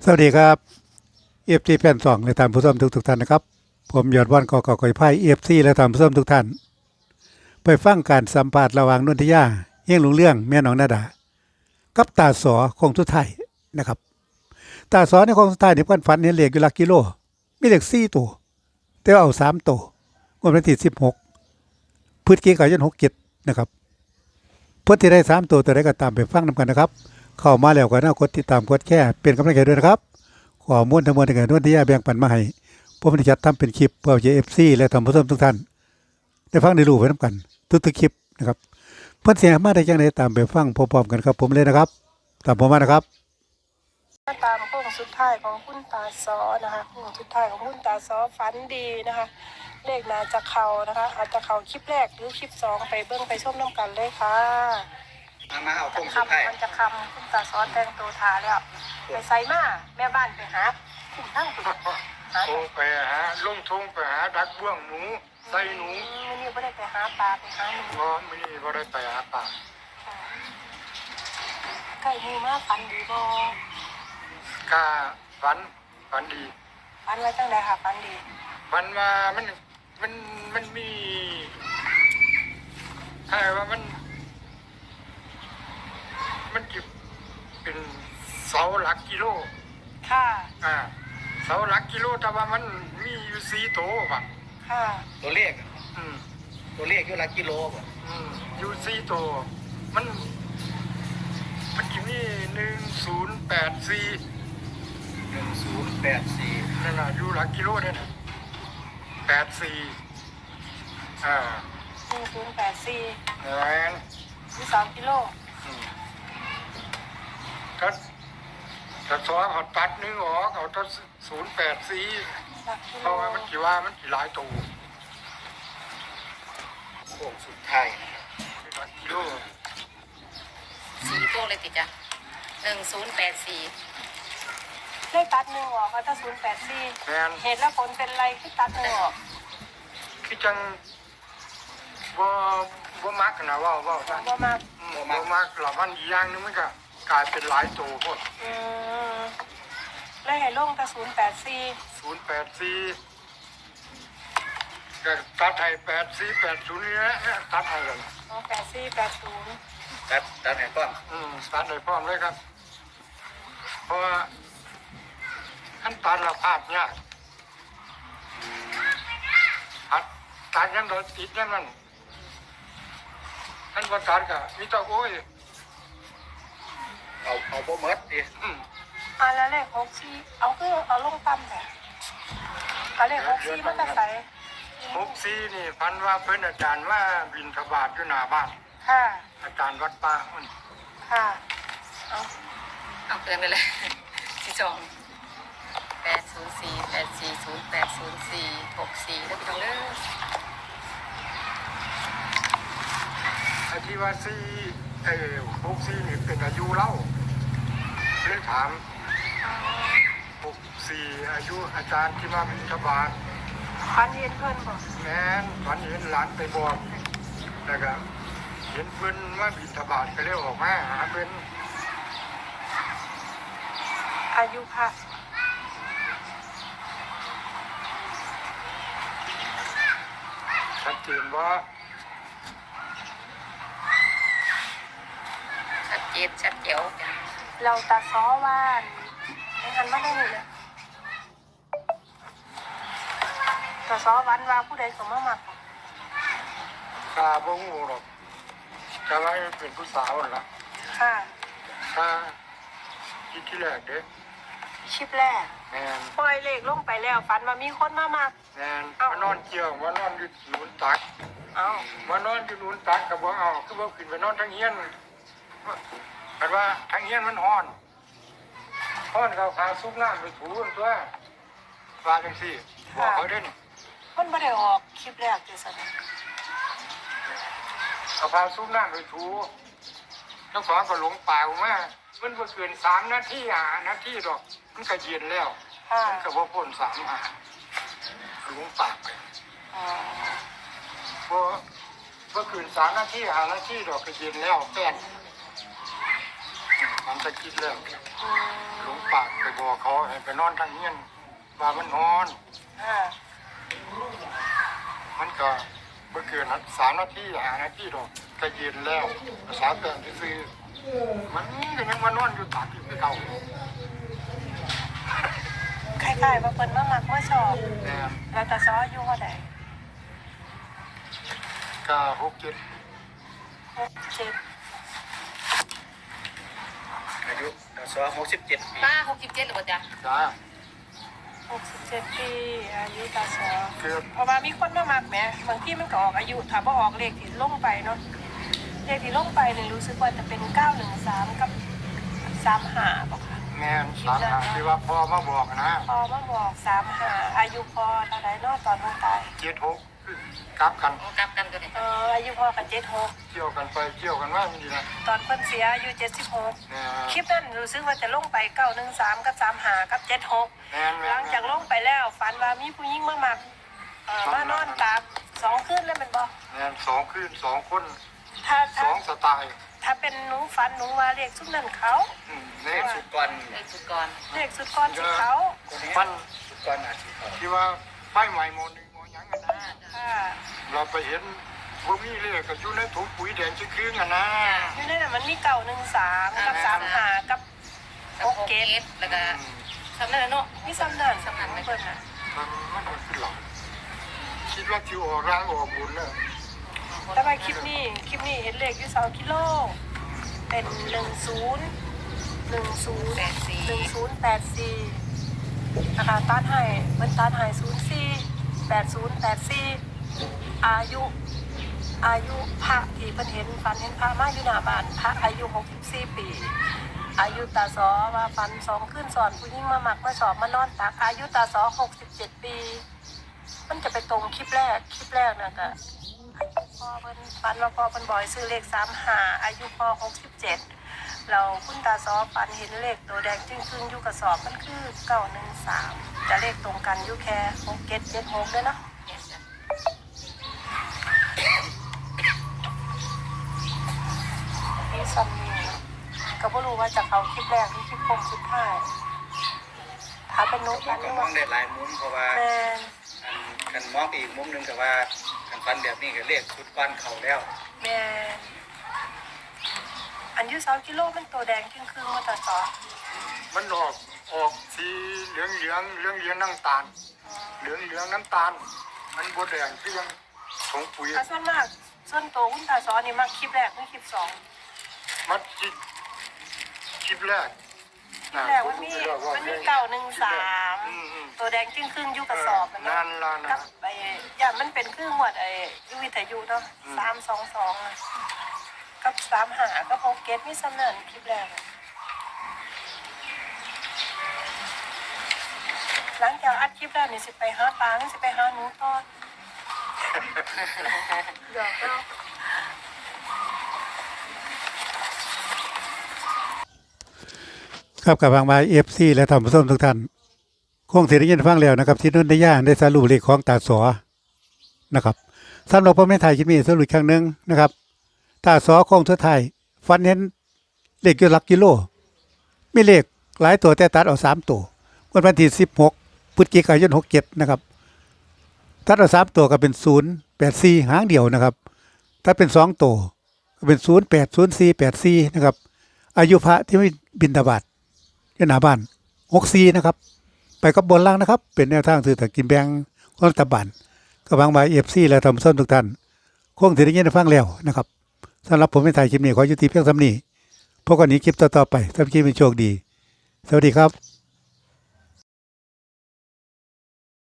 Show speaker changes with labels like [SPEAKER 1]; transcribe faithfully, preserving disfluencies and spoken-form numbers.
[SPEAKER 1] สวัสดีครับเอฟซีแฟนสองและท่านผู้ชมทุกทุกท่านนะครับผมยอดวันกอกอกอยไพ่เอฟซีและท่านผู้ชมทุกท่านไปฟังการสัมภาษณ์ระหว่างนนทิยาเฮียงหลงเรื่องแม่น้องนาดากับตาสอคงสุดท้ายนะครับตาสอในคงสุดท้ายนี่เพิ่นฝันเห็นเลขอยู่หลักกิโลมีเลขสี่ตัวแต่ว่าเอาสามตัวงวดวันที่สิบหกพฤศจิกายนหกเจ็ดนะครับเพื่อที่ได้สามตัวตัวใดก็ตามไปฟังนำกันนะครับเข้ามาแล้วก็น่ากดติดตามกดแชร์เป็นกำลังใจด้วยนะครับข้อมูลทั้งหมดที่เกิดนนทิยาแบ่งปันมาให้ผมได้จัดทำเป็นคลิปเพื่อจะเอฟซีและท่านผู้ชมทุกท่านได้ฟังได้รู้ไปนำกันทุกๆคลิปนะครับเพื่อนเสียมาได้จังไดตามไปฟังพร้อมๆกันครับผมเลยนะครับตามผมมานะครับ
[SPEAKER 2] มาตามโค้งสุดท้ายของคุณตาซอนะคะโค้งสุดท้ายของคุณตาซอฝันดีนะคะเลขน่าจะเข่านะคะอาจจะเข่าคลิปแรกหรือคลิปสองไปเบิ้งไปชมน้ำกันเลยค่ะ
[SPEAKER 3] มามาเอาโค้งสุดท้าย
[SPEAKER 2] มันจะคำคุณตาซอแต่งตัวทาแล้วไปใส่มาแม่บ้านไปหาคุ้มทั้งตัวหา
[SPEAKER 4] โทรไปหาลงทงไปหาดักบ่วงหนูใส่หนู
[SPEAKER 2] ไม่นี่ไม่ได้ไปหาปลาไปหาหนู
[SPEAKER 4] บ่มื้อนี้บ่ได้ไปหาป่า
[SPEAKER 2] ใกล้มือมาฝันดีบ่
[SPEAKER 4] กาฝันฝันดี
[SPEAKER 2] ฝันไว้ตั้งแต่ค่ะฝันดี
[SPEAKER 4] ฝันว่ามันมันมันมีถ้าว่ามัน มันจิเป็นเสาหลักกิโล
[SPEAKER 2] ค่ะ
[SPEAKER 4] อ่าเสาหลักกิโลแต่ว่ามันมีอยู่สี่โตว่ะ
[SPEAKER 2] ค่ะ
[SPEAKER 3] ตัวเลข
[SPEAKER 4] อืม
[SPEAKER 3] ตัวเลขอยู่ละกิโลบ่
[SPEAKER 4] อืมอยู่สี่โตมันมันจะมีหนึ่งศูนย์แปดสี่
[SPEAKER 3] หนึ่งศูนย์แปดสี่
[SPEAKER 4] นั่นน่ะอยู่หลักกิโลเนี่ยนะแปดสี่อ่า
[SPEAKER 2] หนึ่งศูนย์แปดสี่
[SPEAKER 4] แอน
[SPEAKER 2] มีสองกิโล
[SPEAKER 4] อืมก็ถ้าสองเอาตัดหนึงออกเอาตัวศูนย์แปดสี่
[SPEAKER 2] หลักกิ
[SPEAKER 4] เพ
[SPEAKER 2] โล
[SPEAKER 4] ราะว่ามันกี่ว่ามันกี่หลายตัว
[SPEAKER 3] โค้งสุดท้าย
[SPEAKER 4] หลักกิโล
[SPEAKER 5] สี่พวกเลยติดจ้ะหนึ่งศูนย์แปดสี่
[SPEAKER 2] เลขตัดหนึ่งออกก็ถ้าศูนย์แปดสี่
[SPEAKER 4] แมน
[SPEAKER 2] เหตุและผลเป็นไรที่ตัดหนึ่งออก
[SPEAKER 4] คือจังบ่บ่มักนะเว่าเว่าซะ
[SPEAKER 2] บ่มาก
[SPEAKER 4] อืมบ่มักหลับมันอีกอย่างหนึงมันก็กลายเป็นหลายตัวพวก
[SPEAKER 2] อืมเลขให้ลงแต่ศูนย์แปดสี่
[SPEAKER 4] ศูนย์แปดสี่ก็ตัดให้แปดสี่แปดศูนย์นี่นะตัดให้เลย
[SPEAKER 2] อ๋อแปดสี่แปดศูนย์
[SPEAKER 3] ตัดตัดให้ก่อน
[SPEAKER 4] อืมตัดให้พร้อมเลยครับ เพราะว่าขั้นตัดเราพลาดยากตัดตัดยังเราติดยังมันขั้นว่าตัดก็มีแตัวโอ้ย
[SPEAKER 3] เอาเอาบ่หมดดิ
[SPEAKER 4] อืม
[SPEAKER 2] อ่าแล้วเลขหกสี่เอาคือเอาลงต่ำแต่เอาเลขหกสี่มันจะใส่
[SPEAKER 4] หกสี่นี่พันว่าเพิ่นอาจารย์ว่าบินทบาทอยู่หน้าบ้าน
[SPEAKER 2] ค่ะ
[SPEAKER 4] อาจารย์วัดป่ามัน
[SPEAKER 2] ค่ะเอา
[SPEAKER 5] เอาเกินไปเลย สี่สองแปดศูนย์สี่แปดสี่ศูนย์แปดศูนย์สี่หกสี่แล้วพี่น้องเด้อ
[SPEAKER 4] ไอ้ที่ว่าสี่เอ้หกสี่นี่เป็นอายุเล่าเลยถามหกสี่อายุอาจารย์ที่มาบินทบาท
[SPEAKER 2] พันเย็นเพิ่นบอก
[SPEAKER 4] แม่นฝันเห็นหลานไปบอกแล้วก็เห็นเพิ่นมาบินทบาทก็เลยออกมาหาเพิ่น
[SPEAKER 2] อายุค่ะ
[SPEAKER 4] ชัดเจนว่า
[SPEAKER 5] ชัดเจนชัดเจ๋ว
[SPEAKER 2] เราตาซ้อว่านในหันมาได้หนึ่งเลยตาซ้อวันว่าผู้ใดสมมามัก
[SPEAKER 4] ตาบ่งูหรอกแต่ว่าเป็นผู้สาวนั่นล่ะ
[SPEAKER 2] ค่ะ
[SPEAKER 4] ถ้าคิดที่แรกเด้
[SPEAKER 2] ชิปแรก
[SPEAKER 4] แม่น
[SPEAKER 2] ปล่อยเลขลงไปแล้วฝันว่ามีคนมามัก
[SPEAKER 4] แม่นมานอนเกี่ยวมานอนอยู่หนุนตัก
[SPEAKER 2] เอา
[SPEAKER 4] มานอนอยู่หนุนตักก็บ่เอาคือบ่ขึ้นไปนอนทั้งเฮียนแต่ว่าทั้งเฮียนมันฮ้อนฮ้อนเขาพาซุปน้ำไปถูตัวว่าจังซี่บอกเขาเด่น
[SPEAKER 2] มันไม่ได้ออกคลิปแรกเลยสัน
[SPEAKER 4] เอาพาซุปน้ำไปถูทั้งสองก็หลงป่าออกมามันบ่เกินสามนาทีห้านาทีดอกมันก็เย็นแล้ว
[SPEAKER 2] ค่ะ
[SPEAKER 4] มันก็บ่พ้นสามหาหลงป่าไป
[SPEAKER 2] อ๋อ
[SPEAKER 4] บ่บ่เกินสามนาทีห้านาทีดอกก็เย็นแล้วแป้นมันจะคิดแล้ว
[SPEAKER 2] อื
[SPEAKER 4] หล
[SPEAKER 2] ม
[SPEAKER 4] งปากไปบอกบอกเขาให้ไปนอนทางเฮียนว่ามันนอน
[SPEAKER 2] ค่ะ
[SPEAKER 4] มันก็เมื่อเกินสามนาทีหานาทีดอกก็เย็นแล้วภาษาเตือนที่ซื้อมันก็ยังมานอนอยู่ตากอยู่ที่เก่า
[SPEAKER 2] คล้ายๆว่าเพิ่นมามักมาชอบ
[SPEAKER 4] แม่
[SPEAKER 2] แล้วตาซ้ออยู่เท่าใด
[SPEAKER 4] ก็หกเจ็ด
[SPEAKER 2] หกเจ็ด
[SPEAKER 3] อายุตาซอหกสิบเจ็ดปี
[SPEAKER 5] ป้าหกสิบเจ็ดหรือเปล่าจ๊ะ
[SPEAKER 4] จ้า
[SPEAKER 2] หกสิบเจ็ดปีอายุตาซ้อ
[SPEAKER 4] เกือบ
[SPEAKER 2] เพราะว่ามีคนมามักแหมบางทีมันก็ออกอายุถ้าบ่ออกเลขที่ลงไปเนาะเลขที่ลงไปเนี่ยรู้สึกว่าจะเป็นเก้าหนึ่งสามกับสามห้าบ่ค่ะ
[SPEAKER 4] แม่นสามหาที่ว่าพ่อมาบอกนะ
[SPEAKER 2] พอมาบอกสามห้าอายุพอเท่าไหร่เนาะตอนลงตาย
[SPEAKER 4] เจ็ดหกกลับกัน
[SPEAKER 5] กลับกันตัวนี้
[SPEAKER 2] เอออายุพอกับเจ็ดหก
[SPEAKER 4] เกี่ยวกันไปเกี่ยวกันว่ามันดีนะ
[SPEAKER 2] ตอนเพิ่นเสียอายุเจ็ดสิบหก
[SPEAKER 4] แม่
[SPEAKER 2] คลิปนั้นรู้สึกว่าจะลงไปเก้าหนึ่งสามกับสามห้ากับเจ็ดหก
[SPEAKER 4] แม่นแม่
[SPEAKER 2] หลังจากลงไปแล้วฝันว่ามีผู้หญิงมามักเอ่อมานอนตากสองคืนแล้วแมันบ่
[SPEAKER 4] แม่นสองคืนสองคน
[SPEAKER 2] ถ้า
[SPEAKER 4] ส
[SPEAKER 2] ถ้า
[SPEAKER 4] องสไตล์
[SPEAKER 2] ถ้าเป็นหนูฝันหนูว่าเลขสุดนั้นเขา
[SPEAKER 4] อืมนี่
[SPEAKER 3] สุดก่อน
[SPEAKER 5] เลขสุดก่อน
[SPEAKER 2] เลขสุดก้อนสิเขา
[SPEAKER 3] คนนี้
[SPEAKER 4] มัน
[SPEAKER 3] สุดก่อนอาชีพเขา
[SPEAKER 4] ที่ว่าไฟใหม่โมหนึ่งโมหยังกันนะ
[SPEAKER 2] ค่ะ
[SPEAKER 4] เราไปเห็นว่ามีเลขก็อยู่ในถุงปุ๋ยแดงชิ้นครึ่งกันนะ
[SPEAKER 2] อยู่ในนั้นมันมีเก้าหนึ่งสามกับสามห้ากับ
[SPEAKER 5] กับหกเกตแล้วก็ทำนั่นแหละเนาะ
[SPEAKER 2] มีซ้ำนั่น
[SPEAKER 5] ซ้ำนั่นไหม
[SPEAKER 2] เพิ่นน่ะ
[SPEAKER 4] มันมันก็คือหลังคิดว่าที่ออกร่างออกบุญเนี่ย
[SPEAKER 2] แต่ว่าคลิปนี้คลิปนี้เห็นเลขอยู่สองกิโลเป็นหนึ่งศูนย์หนึ่งศูนย์
[SPEAKER 5] แปดสี่
[SPEAKER 2] หนึ่งศูนย์แปดสี่นะคะต้านให้มันต้านให้ศูนย์สี่แปดศูนย์แปดสี่อายุ อายุพระที่เพิ่นเห็นฝันเห็นพระมาอยู่หน้าบ้านพระอายุหกสิบสี่ปี อายุตาสอว่าฝันสองขึ้นสอนผู้หญิงมาหมักมาสอบมานอนตักอายุตาสอหกสิบเจ็ดปี มันจะไปตรงคลิปแรกคลิปแรกนะก็อายุพ่อเพิ่นฝันว่าพ่อเพิ่นบอยซื้อเลขสามหาอายุพ่อหกสิบเจ็ดเราคุณตาซอฝันเห็นเลขตัวแดงจึงครึ่งอยู่กระสอบมันคือเก้าหนึ่งสามจะเลขตรงกันอยู่แค่หกเจ็ดเจ็ดหกด้วยเนาะ
[SPEAKER 5] เนี่ยจ้ะ
[SPEAKER 2] นี่ซัมนี่เนาะก็ไม่รู้ว่าจะเขาคลิปแรกหรือคลิปโค้งสุดท้ายถ้าเป็นนุ๊ก
[SPEAKER 3] มั
[SPEAKER 2] อั
[SPEAKER 3] น
[SPEAKER 2] น
[SPEAKER 3] ก็
[SPEAKER 2] นี้
[SPEAKER 3] มอ
[SPEAKER 2] ว่าง
[SPEAKER 3] ได้หลายมุมเพราะว่า
[SPEAKER 2] แม่น
[SPEAKER 3] อันกันมองไปอีกมุมหนึงก็ว่ากันฟันแบบนี้ก็เรียกสุดก่อนเขาแล้ว
[SPEAKER 2] แม่นอันอยูสองกิโลมันตัวแดงครึ่งครึ่งๆมาต่อต่อ
[SPEAKER 4] มันออกออกสีเหลืองเหลืองเหลืองเหลืองน้ำตาลเหลืองเหลืองน้ำตาล มันบดแดงที่ยังถุงปุ๋ย
[SPEAKER 2] ถ้าส่วนมากส่วนตัวคุณตาซอนี่มากคลิปแรกไม่คลิปสอง
[SPEAKER 4] มันจิคลิปแรก
[SPEAKER 2] คลิปแรกมันมีมันมีเก้าหนึ่งสาม
[SPEAKER 4] อืมอืม
[SPEAKER 2] ตัวแดงครึ่งครึ่งๆอยู่กระสอบมัน
[SPEAKER 4] นั่
[SPEAKER 2] เนาะ
[SPEAKER 4] นล่ะนะ
[SPEAKER 2] กับไอ้อย่างมันเป็นครึ่งหมวดไอ้ยูวิทยุเนาะสามสองสองอะกับสามหากับหกเกตมีสำนันคลิปแรกอะหลังจากอัดคลิปแล้วนี่สิไปหาปลาหรือสิไปหาหนูตอนหยอกเรา
[SPEAKER 1] ครับกับบางบายเอฟซีและท่านผู้ชมทุกท่านคงเสียได้ยินฟังแล้วนะครับ ที่นุ่นได้ย่าได้สรุปเลขของตาสอนะครับสำหรับพ่อแม่ไทยคิดมีสรุปอีกครั้งหนึ่งนะครับตาสอคงสุดท้ายฟันเห็นเลขอยู่หลักกิโลมีเลขหลายตัวแต่ตัดเอาสามตัววันวันที่สิบหกพฤศจิกายนหกเจ็ดนะครับตัดเอาสามตัวก็เป็นศูนย์แปดสี่หางเดียวนะครับ ถ้าเป็นสองตัวก็เป็นศูนย์แปดศูนย์สี่แปดสี่นะครับอายุพระที่ไม่บินทบาทอยู่หน้าบ้านหกสี่นะครับ ไปกับบนล่างนะครับ เป็นแนวทางสื่อตะกินแบงของรัฐบาลกับบางบายเอฟซีและทำส้นทุกท่านคงถือได้ยินได้ฟังแล้วนะครับสำหรับผมเป็นไทยคลิปนี้ขอยุติเพียงสำนี้พบกันนี้คลิปต่อๆไปสำหรับคลิปเป็นโชคดี สวัสดีครับ